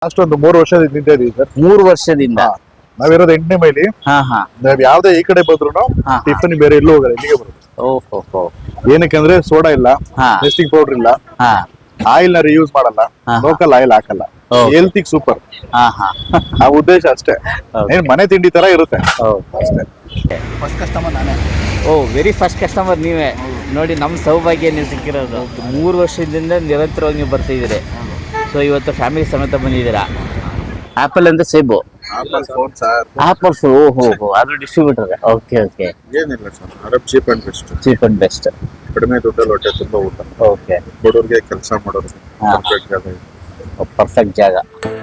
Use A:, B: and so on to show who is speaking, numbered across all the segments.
A: ಅಷ್ಟೊಂದು 3 ವರ್ಷದಿಂದ ನಿಂತಿದ್ದೀವಿ ಸರ್.
B: 3 ವರ್ಷದಿಂದ
A: ನಾವಿರೋದು 8ನೇ ಮೈಲಿ. ನಾವ್ ಯಾವ್ದೇ ಈ ಕಡೆ ಬಂದ್ರು ಟಿಫನ್ ಬೇರೆ ಎಲ್ಲೂ ಹೋಗಲ್ಲ, ಇಲ್ಲಿಗೆ ಬರೋದು.
B: ಓಹೋ.
A: ಏನಕ್ಕೆ ಅಂದ್ರೆ ಸೋಡಾ ಇಲ್ಲ, ಟೆಸ್ಟಿಂಗ್ ಪೌಡರ್ ಇಲ್ಲ, ಆಯಿಲ್ ನ ರಿಯೂಸ್ ಮಾಡಲ್ಲ, ಲೋಕಲ್ ಆಯಿಲ್ ಹಾಕಲ್ಲ, ಹೆಲ್ತಿಗೆ ಸೂಪರ್. ಆ ಉದ್ದೇಶ ಅಷ್ಟೇ. ಏನ್ ಮನೆ ತಿಂಡಿ ತರ ಇರುತ್ತೆ ಅಷ್ಟೇ.
C: ಫಸ್ಟ್ ಕಸ್ಟಮರ್ ನಾನೇ.
B: ವೆರಿ ಫಸ್ಟ್ ಕಸ್ಟಮರ್ ನೀವೇ. ನೋಡಿ ನಮ್ಮ ಸೌಭಾಗ್ಯ ನೀವು ಸಿಕ್ಕಿರೋದು. 3 ವರ್ಷದಿಂದ ನಿರಂತರವಾಗಿ ನೀವು ಬರ್ತಿದ್ದೀರಿ. ಸೊ ಇವತ್ತು ಫ್ಯಾಮಿಲಿ ಸಮೇತ ಬಂದಿದ್ದೀರಾ. ಆಪಲ್ ಅಂದ್ರೆ ಸೇಬು, ಆಪಲ್ಸ್. ಓಹೋ, ಅದು ಡಿಸ್ಟ್ರಿಬ್ಯೂಟರ್. ಓಕೆ.
A: ಏನಿಲ್ಲ ಸರ್, ಚೀಪ್ ಅಂಡ್ ಬೆಸ್ಟ್. ಕಡಿಮೆ ದುಡ್ಡಲ್ಲಿ ಹೊಟ್ಟೆ ತುಂಬಾ ಊಟ.
B: ಓಕೆ.
A: ಬಡವ್ರಿಗೆ ಕೆಲಸ ಮಾಡೋರು
B: ಪರ್ಫೆಕ್ಟ್ ಜಾಗ.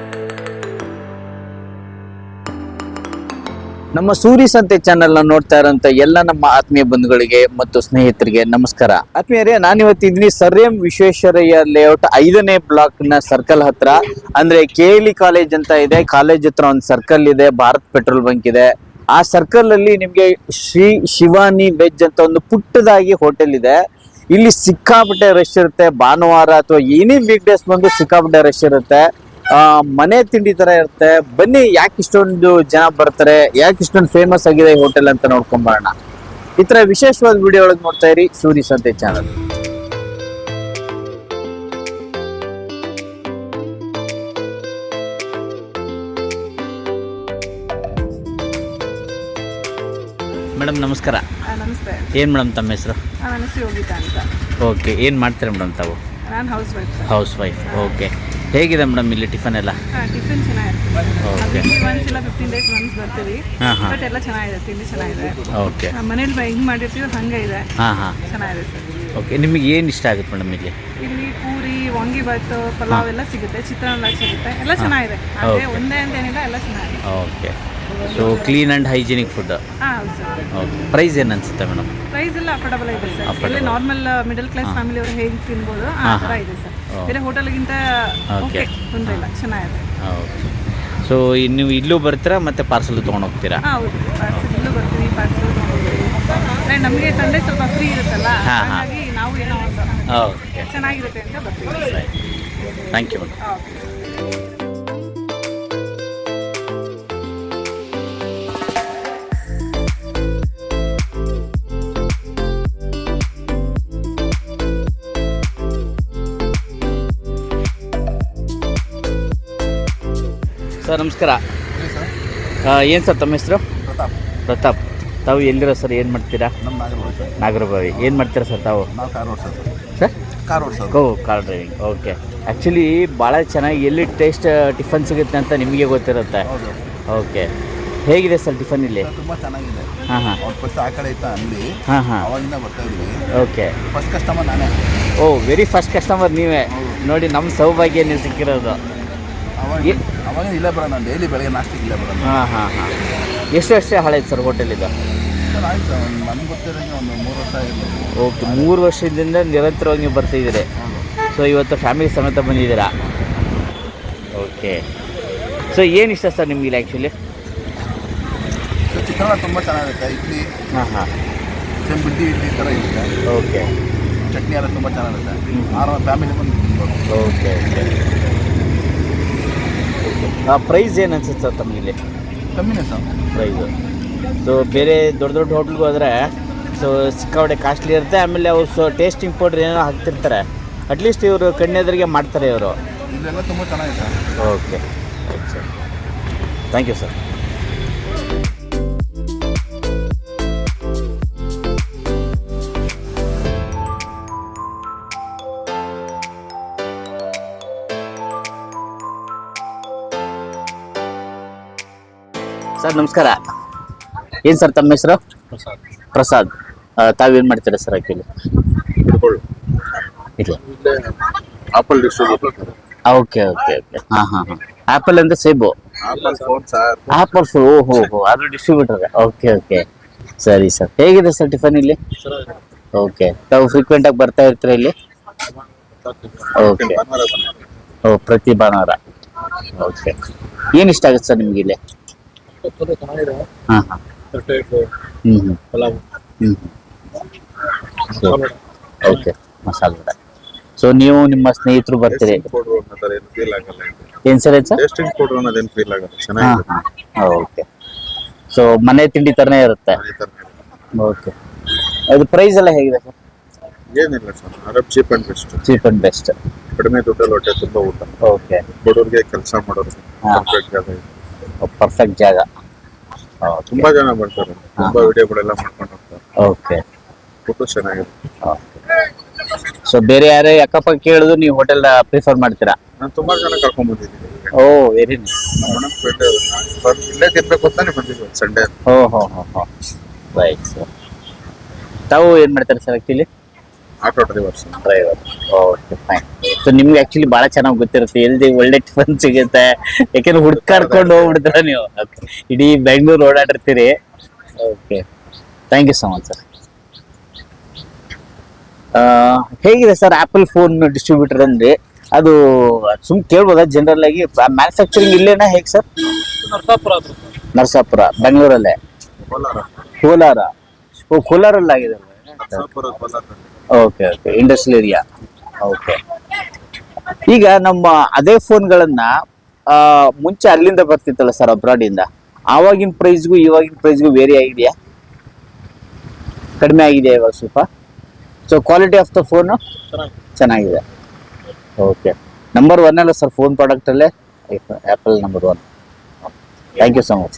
B: ನಮ್ಮ ಸೂರಿ ಸಂತೆ ಚಾನೆಲ್ ನೋಡ್ತಾ ಇರೋಂಥ ಎಲ್ಲ ನಮ್ಮ ಆತ್ಮೀಯ ಬಂಧುಗಳಿಗೆ ಮತ್ತು ಸ್ನೇಹಿತರಿಗೆ ನಮಸ್ಕಾರ. ಆತ್ಮೀಯರೇ, ನಾನಿವತ್ತು ಇದ್ದೀನಿ ಸರ್ ಎಂ ವಿಶ್ವೇಶ್ವರಯ್ಯ ಲೇಔಟ್ 5ನೇ ಬ್ಲಾಕ್ ನ ಸರ್ಕಲ್ ಹತ್ರ. ಅಂದ್ರೆ KLE ಕಾಲೇಜ್ ಅಂತ ಇದೆ. ಕಾಲೇಜ್ ಹತ್ರ ಒಂದು ಸರ್ಕಲ್ ಇದೆ, ಭಾರತ್ ಪೆಟ್ರೋಲ್ ಬಂಕ್ ಇದೆ. ಆ ಸರ್ಕಲ್ ಅಲ್ಲಿ ನಿಮ್ಗೆ ಶ್ರೀ ಶಿವಾನಿ ವೆಜ್ ಅಂತ ಒಂದು ಪುಟ್ಟದಾಗಿ ಹೋಟೆಲ್ ಇದೆ. ಇಲ್ಲಿ ಸಿಕ್ಕಾಪಟ್ಟೆ ರಶ್ ಇರುತ್ತೆ. ಭಾನುವಾರ ಅಥವಾ ಏನೇ ವೀಕ್ ಡೇಸ್ ಬಂದು ಸಿಕ್ಕಾಪಟ್ಟೆ ರಶ್ ಇರುತ್ತೆ. ಮನೆ ತಿಂಡಿ ತರ ಇರುತ್ತೆ. ಬನ್ನಿ, ಯಾಕೆ ಇಷ್ಟೊಂದು ಜನ ಬರ್ತಾರೆ, ಯಾಕೆ ಇಷ್ಟೊಂದು ಫೇಮಸ್ ಆಗಿದೆ ಈ ಹೋಟೆಲ್ ಅಂತ ನೋಡ್ಕೊಂಬರೋಣ. ಈ ತರ ವಿಶೇಷವಾದ ವಿಡಿಯೋ ಒಳಗೆ ನೋಡ್ತಾ ಇರಿ ಸೂರಿ ಸಂತೆ ಚಾನಲ್. ಮೇಡಮ್ ನಮಸ್ಕಾರ.
D: ನಮಸ್ತೆ.
B: ಏನ್ ಮೇಡಮ್ ತಮ್ಮ ಹೆಸರು?
D: ನನ್ನ ಹೆಸರು ಯೋಗಿತಾ ಅಂತ.
B: ಓಕೆ. ಏನ್ ಮಾಡ್ತೀರಾ ಮೇಡಮ್ ತಾವು?
D: ನಾನು ಹೌಸ್ ವೈಫ್.
B: ಓಕೆ. ಹೇಗಿದೆ ಮೇಡಮ್ ಇಲ್ಲಿ ಟಿಫನ್ ಎಲ್ಲ?
D: ಟಿಫಿನ್ ಚೆನ್ನಾಗಿರುತ್ತೆ. ಒಂದ್ಸಲ 15 days once ಬರ್ತೀವಿ. ಬಟ್ ಎಲ್ಲ ಚೆನ್ನಾಗಿದೆ, ತಿಂಡಿ ಚೆನ್ನಾಗಿದೆ.
B: ಓಕೆ.
D: ಮನೇಲಿ ಹೆಂಗ್ ಮಾಡಿರ್ತೀವಿ ಹಂಗೆ ಇದೆ. ಚೆನ್ನಾಗಿದೆ ಸರ್.
B: ಓಕೆ. ನಿಮಗೆ ಏನು ಇಷ್ಟ ಆಗುತ್ತೆ ಮೇಡಮ್ ಇಲ್ಲಿ?
D: ಇಲ್ಲಿ ಪೂರಿ, ವಾಂಗಿಬಾತ್, ಪಲಾವ್ ಎಲ್ಲ ಸಿಗುತ್ತೆ, ಚಿತ್ರಾನ್ನ ಸಿಗುತ್ತೆ, ಎಲ್ಲ ಚೆನ್ನಾಗಿದೆ. ಅದೇ ಒಂದೇ ಅಂತ ಏನಿಲ್ಲ, ಎಲ್ಲ ಚೆನ್ನಾಗಿದೆ.
B: Okay. So clean and hygienic food.
D: ಹೌದು ಸರ್.
B: ಓಕೆ. ಪ್ರೈಸ್ ಏನು ಅನ್ಸುತ್ತೆ ಮೇಡಮ್?
D: ಪ್ರೈಸ್ ಎಲ್ಲ ಅಫೋರ್ಡಬಲ್ ಇದೆ ಸರ್. ಇಲ್ಲಿ ನಾರ್ಮಲ್ ಮಿಡಲ್ ಕ್ಲಾಸ್ ಫ್ಯಾಮಿಲಿ ಅವರು ಹೇಗೆ ತಿನ್ಬೋದು ಆ ಥರ ಇದೆ ಸರ್. ಬೇರೆ ಹೋಟೆಲ್ಗಿಂತ ಓಕೆ, ತೊಂದರೆ ಇಲ್ಲ, ಚೆನ್ನಾಗಿದೆ.
B: ಓಕೆ. ಸೊ ನೀವು ಇಲ್ಲೂ ಬರ್ತೀರಾ ಮತ್ತೆ ಪಾರ್ಸಲ್ ತೊಗೊಂಡು ಹೋಗ್ತೀರಾ?
D: ಹೌದು, ಪಾರ್ಸಲ್ ಇಲ್ಲೂ ಬರ್ತೀವಿ, ಪಾರ್ಸಲ್ ತೊಗೊಂಡೋಗ್ತೀವಿ. ನಮಗೆ ಸಂಡೇ ಸ್ವಲ್ಪ ಫ್ರೀ ಇರುತ್ತಲ್ಲ, ಹಾಗಾಗಿ ನಾವು ಏನೋ
B: ಓಕೆ
D: ಚೆನ್ನಾಗಿರುತ್ತೆ ಅಂತ ಬರ್ತೀವಿ.
B: Thank you madam. ಸರ್ ನಮಸ್ಕಾರ. ಏನು ಸರ್ ತಮ್ಮ ಹೆಸರು? ಪ್ರತಾಪ್. ತಾವು ಎಲ್ಲಿರೋ ಸರ್? ಏನು ಮಾಡ್ತೀರಾ? ನಾಗರಬಾವಿ. ಏನು ಮಾಡ್ತೀರಾ ಸರ್ ತಾವು? Sir car driving. Okay. Actually ಭಾಳ ಚೆನ್ನಾಗಿ ಎಲ್ಲಿ ಟೇಸ್ಟ್ ಟಿಫನ್ ಸಿಗುತ್ತೆ ಅಂತ ನಿಮಗೆ ಗೊತ್ತಿರುತ್ತೆ. ಓಕೆ. ಹೇಗಿದೆ ಸರ್ ಟಿಫನ್ ಇಲ್ಲಿ?
C: ತುಂಬ ಚೆನ್ನಾಗಿದೆ. ಫಸ್ಟ್ ಆ ಕಡೆ ಇತ್ತು ಅಂಗಡಿ, ಅವಾಗಿಂದ ಬರ್ತಾ ಇದ್ವಿ.
B: ಓಕೆ.
C: ಫಸ್ಟ್ ಕಸ್ಟಮರ್ ನಾನೇ.
B: ವೆರಿ ಫಸ್ಟ್ ಕಸ್ಟಮರ್ ನೀವೇ. ನೋಡಿ ನಮ್ಮ ಸೌಭಾಗ್ಯ ನೀವು ಸಿಕ್ಕಿರೋದು.
C: ಅವಾಗ ಇಲ್ಲೇ ಬರೋಣ, ಡೈಲಿ ಬೆಳಗ್ಗೆ ನಾಷ್ಟಕ್ಕೆ ಇಲ್ಲೇ ಬರೋಣ.
B: ಎಷ್ಟು ವರ್ಷ ಹಳೇದು ಸರ್ ಹೋಟೆಲ್ ಇದು?
C: ಸರ್ ಆಯ್ತು, ನಮ್ಗೆ ಗೊತ್ತಿರೋಂಗೆ ಒಂದು 3 ವರ್ಷ ಆಗಿರ್ಬೋದು.
B: ಓಕೆ. 3 ವರ್ಷದಿಂದ ನಿರಂತರವಾಗಿ ನೀವು ಬರ್ತಿದ್ದೀರಿ. ಸೊ ಇವತ್ತು ಫ್ಯಾಮಿಲಿ ಸಮೇತ ಬಂದಿದ್ದೀರಾ. ಓಕೆ. ಸೊ ಏನು ಇಷ್ಟ ಸರ್ ನಿಮ್ಗೆ ಆ್ಯಕ್ಚುಲಿ?
C: ಚಿತ್ರಾನ್ನ ತುಂಬ ಚೆನ್ನಾಗಿರುತ್ತೆ. ಇಡ್ಲಿ ಬಿಡ್ಡಿ ಇಡ್ಲಿ ಥರ ಇರುತ್ತೆ.
B: ಓಕೆ.
C: ಚಟ್ನಿ ಎಲ್ಲ ತುಂಬ ಚೆನ್ನಾಗಿರುತ್ತೆ. ಫ್ಯಾಮಿಲಿ ಬಂದು ತಿನ್ಬೋದು.
B: ಓಕೆ. ಪ್ರೈಸ್ ಏನು ಅನ್ಸುತ್ತೆ ಸರ್ ತಮಗಿಲ್ಲಿ?
C: ಕಮ್ಮಿನೇ ಸರ್
B: ಪ್ರೈಸು. ಸೊ ಬೇರೆ ದೊಡ್ಡ ದೊಡ್ಡ ಹೋಟ್ಲಿಗೆ ಹೋದರೆ ಸೊ ಸಿಕ್ಕಾಪಟ್ಟೆ ಕಾಸ್ಟ್ಲಿ ಇರುತ್ತೆ. ಆಮೇಲೆ ಅವರು ಟೇಸ್ಟಿಂಗ್ ಪೌಡ್ರ್ ಏನೋ ಹಾಕ್ತಿರ್ತಾರೆ. ಅಟ್ಲೀಸ್ಟ್ ಇವರು ಕಣ್ಣೆದುರಿಗೆ ಮಾಡ್ತಾರೆ ಇವರು.
C: ಇದೆಲ್ಲ ತುಂಬ ಚೆನ್ನಾಗಿದೆ.
B: Okay. Right sir. Thank you sir. Sir ನಮಸ್ಕಾರ. ಏನು ಸರ್ ತಮ್ಮ ಹೆಸರು? ಪ್ರಸಾದ್. ತಾವೇನು ಮಾಡ್ತೀರಾ ಸರ್ ಆ್ಯಕ್ಚುಲಿ? ಇಲ್ಲ,
A: ಆಪಲ್ ಡಿಸ್ಟ್ರಿಬ್ಯೂಟರ್.
B: ಓಕೆ. ಆಪಲ್ ಅಂದ್ರೆ ಸೇಬು, ಆಪಲ್ಸ್. ಓಹೋ, ಅದು ಡಿಸ್ಟ್ರಿಬ್ಯೂಟರ್. ಓಕೆ. ಸರಿ ಸರ್. ಹೇಗಿದೆ ಸರ್ ಟಿಫನ್ ಇಲ್ಲಿ? ಓಕೆ. ತಾವು ಫ್ರೀಕ್ವೆಂಟ್ ಆಗಿ ಬರ್ತಾ ಇರ್ತೀರಾ ಇಲ್ಲಿ? ಓಕೆ. ಪ್ರತಿ ಭಾನುವಾರ. ಓಕೆ. ಏನು ಇಷ್ಟ ಆಗುತ್ತೆ ಸರ್ ನಿಮ್ಗೆ ಇಲ್ಲಿ? ಓಕೆ. ಮಸಾಲೆ ವಡೆ. ಸೊ ನೀವು ನಿಮ್ಮ ಸ್ನೇಹಿತರು ಬರ್ತೀರಿ.
C: ಪೌಡರ್ ಅನ್ನೋದು ಏನು ಫೀಲ್ ಆಗಲ್ಲ.
B: ಏನ್ ಸರ್ ಏನ್ ಸರ್?
C: ಟೇಸ್ಟಿಂಗ್ ಪೌಡರ್ ಅನ್ನೋದೇನು ಫೀಲ್ ಆಗಲ್ಲ, ಚೆನ್ನಾಗಿದೆ.
B: ಓಕೆ. ಸೊ ಮನೆ ತಿಂಡಿ ತರನೇ ಇರುತ್ತೆ. ಓಕೆ. ಅದು ಪ್ರೈಸ್ ಎಲ್ಲ ಹೇಗಿದೆ ಸರ್?
C: ಏನಿಲ್ಲ ಸರ್, ಅರಬ್ cheap and best.
B: Cheap and best.
C: ಕಡಿಮೆ ದುಡ್ಡಲ್ಲಿ ಹೊಟ್ಟೆ ತುಂಬ ಊಟ.
B: ಓಕೆ.
C: ಬಡವ್ರಿಗೆ ಕೆಲಸ ಮಾಡೋರು ಪರ್ಫೆಕ್ಟ್ ಜಾಗ ಇದೆ.
B: ಪರ್ಫೆಕ್ಟ್ ಜಾಗ.
C: ತುಂಬಾ ಜನ ಬರ್ತಾರೆ, ತುಂಬಾ ವಿಡಿಯೋಗಳೆಲ್ಲ ಮಾಡ್ಕೊಂಡು ಹೋಗ್ತಾರೆ.
B: ಓಕೆ.
C: ಫೋಟೋ ಚೆನ್ನಾಗಿದೆ.
B: ಸೊ ಬೇರೆ ಯಾರೇ ಅಕ್ಕಪಕ್ಕ ಕೇಳಿದ್ರು ನೀವು ಹೋಟೆಲ್ ಪ್ರಿಫರ್ ಮಾಡ್ತೀರಾ?
C: ನಾನು ತುಂಬಾ ಜನ ಕರ್ಕೊಂಡ್ ಬಂದಿದ್ದೀನಿ.
B: Oh very nice.
C: ಇಲ್ಲೇ ತಿನ್ಬೇಕು ಅಂತಾನೆ ಬಂದಿದ್ವಿ ಸಂಡೇ.
B: ಓ ಹೋ ಹೋ ಹೋ ರೈಟ್ ಸರ್. ತಾವು ಏನ್ ಮಾಡ್ತಾರೆ sir actually?
C: Auto drivers.
B: Driver. Okay fine. So ನಿಮ್ಗೆ ಆಕ್ಚುಲಿ ಬಹಳ ಚೆನ್ನಾಗಿ ಗೊತ್ತಿರುತ್ತೆ ಎಲ್ಲಿ ಒಳ್ಳೆ ಟಿಫನ್ ಸಿಗುತ್ತೆ, ಯಾಕೆಂದ್ರೆ ಹುಡ್ಕಾಡ್ಕೊಂಡು ಹೋಗ್ಬಿಡ್ತೀರ ನೀವು. ಇಡೀ ಬೆಂಗಳೂರು ಓಡಾಡಿರ್ತೀರಿ. Okay, thank you so much sir. ಹೇಗಿದೆ ಸರ್ ಆಪಲ್ ಫೋನ್ ಡಿಸ್ಟ್ರಿಬ್ಯೂಟರ್ ಅಂದ್ರೆ? ಅದು ಕೇಳ್ಬೋದಾ ಜನರಲ್ ಆಗಿ? ಮ್ಯಾನುಫ್ಯಾಕ್ಚರಿಂಗ್ ಇಲ್ಲೇನಾ ಹೇಗೆ ಸರ್? ನರಸಾಪುರ ಬೆಂಗಳೂರಲ್ಲೇ. ಕೋಲಾರ. ಓ ಕೋಲಾರಲ್ಲಿ ಆಗಿದೆ. Okay okay, industrial area. Okay. ಈಗ ನಮ್ಮ ಅದೇ ಫೋನ್ಗಳನ್ನ ಮುಂಚೆ ಅಲ್ಲಿಂದ ಬರ್ತಿತ್ತಲ್ಲ ಸರ್, ಅಬ್ರಾಡ್ ಇಂದ, ಆವಾಗಿನ ಪ್ರೈಸ್ಗೂ ಇವಾಗಿನ ಪ್ರೈಸ್ಗೂ ವೇರಿ ಆಗಿದೆಯಾ? ಕಡಿಮೆ ಆಗಿದೆಯಾ ಇವಾಗ ಸ್ವಲ್ಪ? So quality of the phone ಚೆನ್ನಾಗಿದೆ. ಓಕೆ. ನಂಬರ್ 1 ಅಲ್ಲ ಸರ್ ಫೋನ್ ಪ್ರಾಡಕ್ಟಲ್ಲೇ Apple number 1. Thank you so much.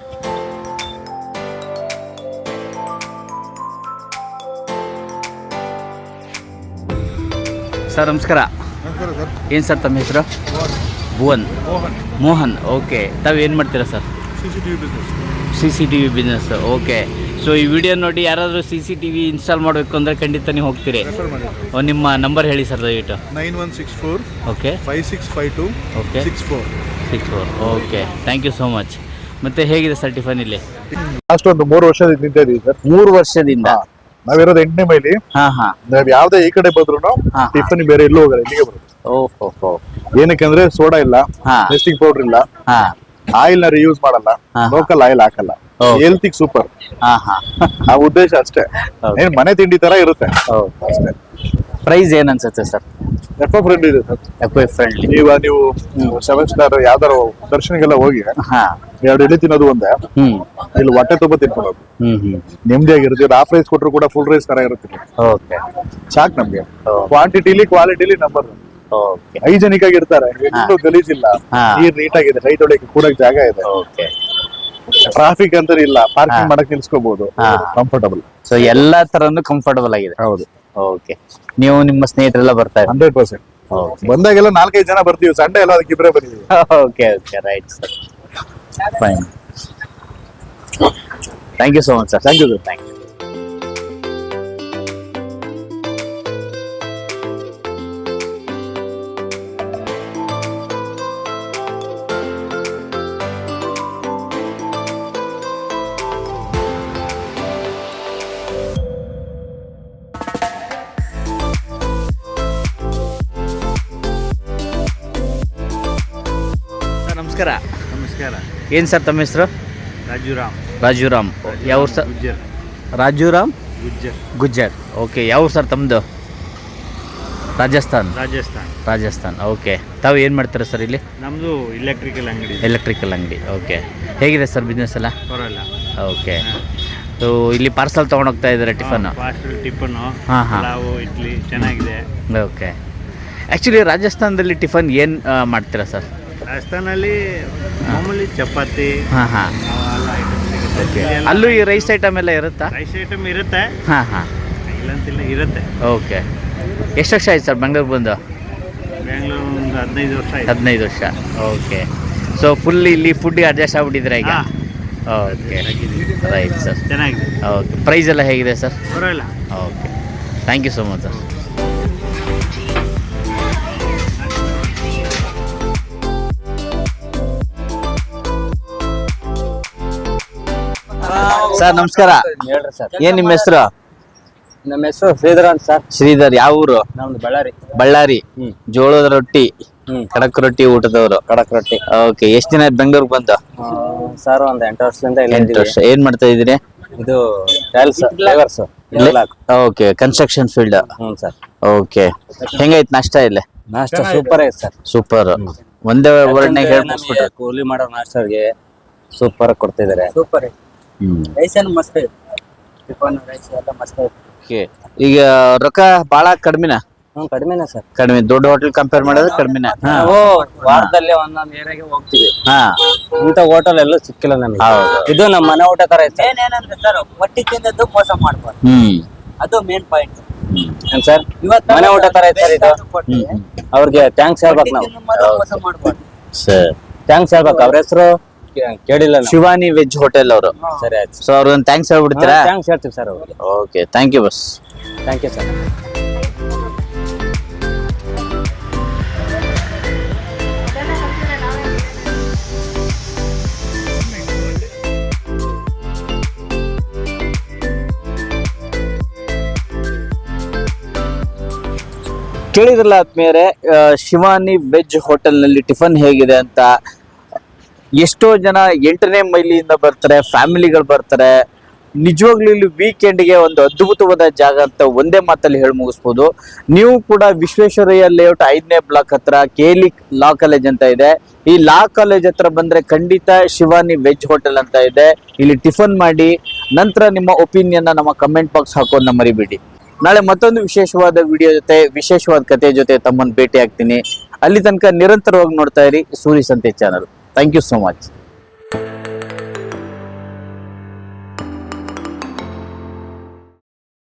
B: Sir ನಮಸ್ಕಾರ. ಏನು ಸರ್ ತಮ್ಮ ಹೆಸರು? ಭುವನ್. ಮೋಹನ್. ಓಕೆ. ತಾವು ಏನು ಮಾಡ್ತೀರಾ sir? CCTV business. Okay. So ಈ ವಿಡಿಯೋ ನೋಡಿ ಯಾರಾದರೂ CCTV ಇನ್ಸ್ಟಾಲ್ ಮಾಡಬೇಕು ಅಂದರೆ ಖಂಡಿತ ನೀವು ಹೋಗ್ತೀರಿ. ನಿಮ್ಮ ನಂಬರ್ ಹೇಳಿ ಸರ್ ದಯವಿಟ್ಟು.
C: 9164
B: okay
C: 5652
B: okay
C: 64.
B: Okay, thank you so much. ಮತ್ತೆ ಹೇಗಿದೆ ಸರ್ ಟಿಫನ್ ಇಲ್ಲಿ?
A: ಲಾಸ್ಟ್ ಒಂದು 3 ವರ್ಷದಿಂದ ನಿಂತ ಇದೀವಿ ಸರ್.
B: 3 ವರ್ಷದಿಂದ.
A: ನಾವಿರೋದು 8ನೇ ಮೈಲಿ. ನಾವ್ ಯಾವ್ದೇ ಈ ಕಡೆ ಬಂದ್ರು ಟಿಫನ್ ಬೇರೆ ಎಲ್ಲೂ ಹೋಗಲ್ಲ, ಇಲ್ಲಿಗೆ ಬರುತ್ತೆ.
B: ಓಹೋ.
A: ಏನಕ್ಕಂದ್ರೆ ಸೋಡಾ ಇಲ್ಲ, ಟೇಸ್ಟಿಂಗ್ ಪೌಡರ್ ಇಲ್ಲ, ಆಯಿಲ್ ನ ರಿಯೂಸ್ ಮಾಡಲ್ಲ, ಲೋಕಲ್ ಆಯಿಲ್ ಹಾಕಲ್ಲ, ಹೆಲ್ತ್ ಸೂಪರ್. ಆ ಉದ್ದೇಶ ಅಷ್ಟೇ. ಏನ್ ಮನೆ ತಿಂಡಿ ತರ ಇರುತ್ತೆ ಅಷ್ಟೇ.
B: ಪ್ರೈಸ್ ಏನ್ ಅನ್ಸುತ್ತೆ ಸರ್?
A: ಎಕೋ ಫ್ರೆಂಡ್ಲಿ ಇದೆ ಸರ್.
B: Eco friendly.
A: ನೀವು 7 ಸ್ಟಾರ್ ಯಾವ್ದಾರ ದರ್ಶನಗೆಲ್ಲ ಹೋಗಿ 2 ಇಡ್ಲಿ ತಿನ್ನೋದು ಒಂದೇ, ಇಲ್ಲಿ ಹೊಟ್ಟೆ ತುಂಬ ತಿನ್ಕೊಳ್ಳೋದು ನೆಮ್ಮದಿಯಾಗಿರುತ್ತೆ. ಹಾಫ್ ರೈಸ್ ಕೊಟ್ಟರು ಕೂಡ ಫುಲ್ ರೈಸ್ ತರ ಇರುತ್ತೆ. ಸಾಕು ನಮ್ಗೆ. ಕ್ವಾಲಿಟಿಲಿ ನಂಬರ್. ಹೈಜೆನಿಕ್ ಆಗಿ ಇರ್ತಾರೆ, ಎಲ್ಲೂ ಗಲೀಜಿಲ್ಲ, ನೀರ್ ನೀಟ್ ಆಗಿದೆ, ಕೈ ತೊಳೆಯಕ್ಕೆ ಕೂಡಕ್ ಜಾಗ ಇದೆ, ಟ್ರಾಫಿಕ್ ಅಂತ ಇಲ್ಲ, ಪಾರ್ಕಿಂಗ್ ಮಾಡಕ್ ನಿಲ್ಸ್ಕೋಬಹುದು, ಕಂಫರ್ಟಬಲ್.
B: ಸೊ ಎಲ್ಲಾ ತರನು ಕಂಫರ್ಟಬಲ್ ಆಗಿದೆ.
A: ಹೌದು.
B: ಓಕೆ. ನೀವು ನಿಮ್ಮ ಸ್ನೇಹಿತರೆಲ್ಲ ಬರ್ತಾರೆ?
A: 100%. ಬಂದಾಗೆಲ್ಲ 4-5 ಜನ ಬರ್ತೀವಿ, ಸಂಡೇ ಎಲ್ಲ ಅದಕ್ಕೆ ಇಬ್ಬರೇ ಬರ್ತೀವಿ.
B: Okay okay, right sir. Fine. Thank you so much sir. Thank you sir. Thank you. ನಮಸ್ಕಾರ.
C: ನಮಸ್ಕಾರ.
B: ಏನು ಸರ್ ತಮ್ಮ ಹೆಸರು? ರಾಜುರಾಮ್. ಯಾವ ಸರ್? ರಾಜುರಾಮ್ ಗುಜ್ಜರ್. ಓಕೆ. ಯಾವ ಸರ್ ತಮ್ಮದು? ರಾಜಸ್ಥಾನ್. ಓಕೆ. ತಾವು ಏನು ಮಾಡ್ತೀರಾ ಸರ್ ಇಲ್ಲಿ?
E: ನಮ್ಮದು
B: ಎಲೆಕ್ಟ್ರಿಕಲ್ ಅಂಗಡಿ. ಓಕೆ. ಹೇಗಿದೆ ಸರ್ ಬಿಸ್ನೆಸ್ ಎಲ್ಲ?
E: ಬರೋಲ್ಲ.
B: ಓಕೆ. ಸೊ ಇಲ್ಲಿ ಪಾರ್ಸಲ್ ತೊಗೊಂಡೋಗ್ತಾ ಇದ್ದಾರೆ ಟಿಫನ್ನು?
E: ಟಿಫನ್ನು, ಪಲಾವು, ಇಡ್ಲಿ ಚೆನ್ನಾಗಿದೆ.
B: ಓಕೆ. ಆ್ಯಕ್ಚುಲಿ ರಾಜಸ್ಥಾನದಲ್ಲಿ ಟಿಫನ್ ಏನು ಮಾಡ್ತೀರಾ ಸರ್?
E: ರಾಜಸ್ಥಾನಲ್ಲಿ ಮಾಮೂಲಿ ಚಪಾತಿ.
B: ಓಕೆ. ಅಲ್ಲೂ ಈ ರೈಸ್ ಐಟಮ್ ಎಲ್ಲ ಇರುತ್ತಾ?
E: ರೈಸ್ ಐಟಮ್ ಇರುತ್ತೆ. ಇಲ್ಲಂತಿಲ್ಲ, ಇರುತ್ತೆ.
B: ಓಕೆ. ಎಷ್ಟು ವರ್ಷ ಆಯ್ತು ಸರ್ ಬೆಂಗಳೂರು ಬಂದು?
E: ಬೆಂಗಳೂರು ಒಂದು 15 ವರ್ಷ ಆಯ್ತು.
B: 15 ವರ್ಷ. ಓಕೆ. ಸೊ ಫುಲ್ ಇಲ್ಲಿ ಫುಡ್ಗೆ ಅಡ್ಜಸ್ಟ್ ಆಗ್ಬಿಟ್ಟಿದ್ರೆ ಈಗ? Okay, right sir.
E: ಚೆನ್ನಾಗಿದೆ.
B: ಓಕೆ. ಪ್ರೈಸ್ ಎಲ್ಲ ಹೇಗಿದೆ ಸರ್?
E: ಬರೋಲ್ಲ.
B: Okay. Thank you so much sir. Sir ನಮಸ್ಕಾರ.
F: ಹೇಳ್ರಿ ಸರ್.
B: ಏನ್ ನಿಮ್ಮ ಹೆಸರು?
F: ನಮ್ಮ ಹೆಸರು ಶ್ರೀಧರ್ ಅಂತ ಸರ್.
B: ಶ್ರೀಧರ್. ಯಾವ ಊರು?
F: ನಮ್ದು
B: ಬಳ್ಳಾರಿ. ಜೋಳದ ರೊಟ್ಟಿ, ಕಡಕ್ ರೊಟ್ಟಿ ಊಟದವರು.
F: ಕಡಕ್ ರೊಟ್ಟಿ.
B: ಓಕೆ. ಎಷ್ಟು ದಿನ ಆಯ್ತು ಬೆಂಗಳೂರಿಗೆ ಬಂದು?
F: ಸರ್ ಒಂದು 8 ವರ್ಷದಿಂದ.
B: 8 ವರ್ಷ. ಏನ್ ಮಾಡ್ತಾ ಇದೀರಿ?
F: ಇದು tiles drivers.
B: Okay construction field.
F: ಹ್ಞೂ ಸರ್.
B: ಓಕೆ ಹೆಂಗೈತ್ ನಾಷ್ಟ ಇಲ್ಲ?
F: ನಾಷ್ಟ ಸೂಪರ್ ಐತೆ ಸರ್.
B: ಸೂಪರ್. ಒಂದೇ ವರ್ಡ್ನಾಗ ಹೇಳ್ಬಿಟ್ಬಿಟ್ರೆ.
F: ಕೂಲಿ ಮಾಡೋ ನಾಷ್ಟರಿಗೆ ಸೂಪರ್ ಕೊಡ್ತಿದ್ದಾರೆ. ಸೂಪರ್ ರೈಸ್ ಏನು ಮಸ್ತ್ ಐತೆ, ಟಿಫನ್ ರೈಸ್ ಎಲ್ಲ ಮಸ್ತ್ ಐತೆ.
B: ಓಕೆ ಈಗ ರೊಕ್ಕ ಬಾಳ ಕಡಿಮೆನ?
F: ಹ್ಞೂ ಕಡಿಮೆನೇ ಸರ್.
B: ಕಡಿಮೆ, ದೊಡ್ಡ ಹೋಟೆಲ್ ಕಂಪೇರ್ ಮಾಡಿದ್ರೆ ಕಡಿಮೆನ?
F: ನಾವು ವಾರದಲ್ಲಿ ಒಂದೊಂದು ಏರಿಯಾಗೆ ಹೋಗ್ತೀವಿ.
B: ಹಾ
F: ಇಂಥ ಹೋಟೆಲ್ ಎಲ್ಲೂ ಸಿಕ್ಕಿಲ್ಲ ನಮಗೆ.
B: ಹೌದು.
F: ಇದು ನಮ್ಮ ಮನೆ ಊಟ ತರ ಐತೆ. ಏನಂದ್ರೆ ಸರ್ ಹೊಟ್ಟಿ ತಿಂದದ್ದು ಮೋಸ ಮಾಡ್ಬಾರ್ದು, ಅದು ಮೇನ್ ಪಾಯಿಂಟ್. ಏನ್ ಸರ್ ಇವತ್ತು ಮನೆ ಊಟ ತರ ಐತೆ ಸರ್ ಇದು. ಅವ್ರಿಗೆ ಥ್ಯಾಂಕ್ಸ್ ಹೇಳ್ಬೇಕು ನಾವು. ಮೋಸ ಮಾಡ್ಬಾರ್ದು
B: ಸರ್.
F: ಥ್ಯಾಂಕ್ಸ್ ಹೇಳ್ಬೇಕು. ಅವ್ರ ಹೆಸರು ಕೇಳಿಲ್ಲ ನಾವು.
B: ಶಿವಾನಿ ವೆಜ್ ಹೋಟೆಲ್ ಅವರು.
F: ಸರಿ ಆಯ್ತು.
B: ಸೊ ಅವ್ರನ್ನ ಥ್ಯಾಂಕ್ಸ್ ಹೇಳ್ಬಿಡ್ತೀರಾ?
F: ಥ್ಯಾಂಕ್ಸ್ ಹೇಳ್ತೀವಿ ಸರ್ ಅವ್ರಿಗೆ.
B: Okay thank you boss.
F: Thank you sir.
B: ಕೇಳಿದ್ರಲ್ಲ ಆದ್ಮೇಲೆ ಶಿವಾನಿ ವೆಜ್ ಹೋಟೆಲ್ ನಲ್ಲಿ ಟಿಫನ್ ಹೇಗಿದೆ ಅಂತ. ಎಷ್ಟೋ ಜನ 8ನೇ ಮೈಲಿಯಿಂದ ಬರ್ತಾರೆ, ಫ್ಯಾಮಿಲಿಗಳು ಬರ್ತಾರೆ. ನಿಜವಾಗ್ಲೂ ಇಲ್ಲಿ ವೀಕೆಂಡ್ಗೆ ಒಂದು ಅದ್ಭುತವಾದ ಜಾಗ ಅಂತ ಒಂದೇ ಮಾತಲ್ಲಿ ಹೇಳಿ ಮುಗಿಸ್ಬೋದು. ನೀವು ಕೂಡ ವಿಶ್ವೇಶ್ವರಯ್ಯ ಲೇಔಟ್ 5ನೇ ಬ್ಲಾಕ್ ಹತ್ರ KLE ಲಾ ಕಾಲೇಜ್ ಅಂತ ಇದೆ. ಈ ಲಾ ಕಾಲೇಜ್ ಹತ್ರ ಬಂದ್ರೆ ಖಂಡಿತ ಶಿವಾನಿ ವೆಜ್ ಹೋಟೆಲ್ ಅಂತ ಇದೆ. ಇಲ್ಲಿ ಟಿಫನ್ ಮಾಡಿ ನಂತರ ನಿಮ್ಮ ಒಪಿನಿಯನ್ ನಮ್ಮ ಕಮೆಂಟ್ ಬಾಕ್ಸ್ ಹಾಕೋದನ್ನ ಮರಿಬೇಡಿ. ನಾಳೆ ಮತ್ತೊಂದು ವಿಶೇಷವಾದ ವಿಡಿಯೋ ಜೊತೆ, ವಿಶೇಷವಾದ ಕಥೆ ಜೊತೆ ತಮ್ಮನ್ನು ಭೇಟಿ ಆಗ್ತೀನಿ. ಅಲ್ಲಿ ತನಕ ನಿರಂತರವಾಗಿ ನೋಡ್ತಾ ಇರಿ Suri Sante channel. Thank you so much.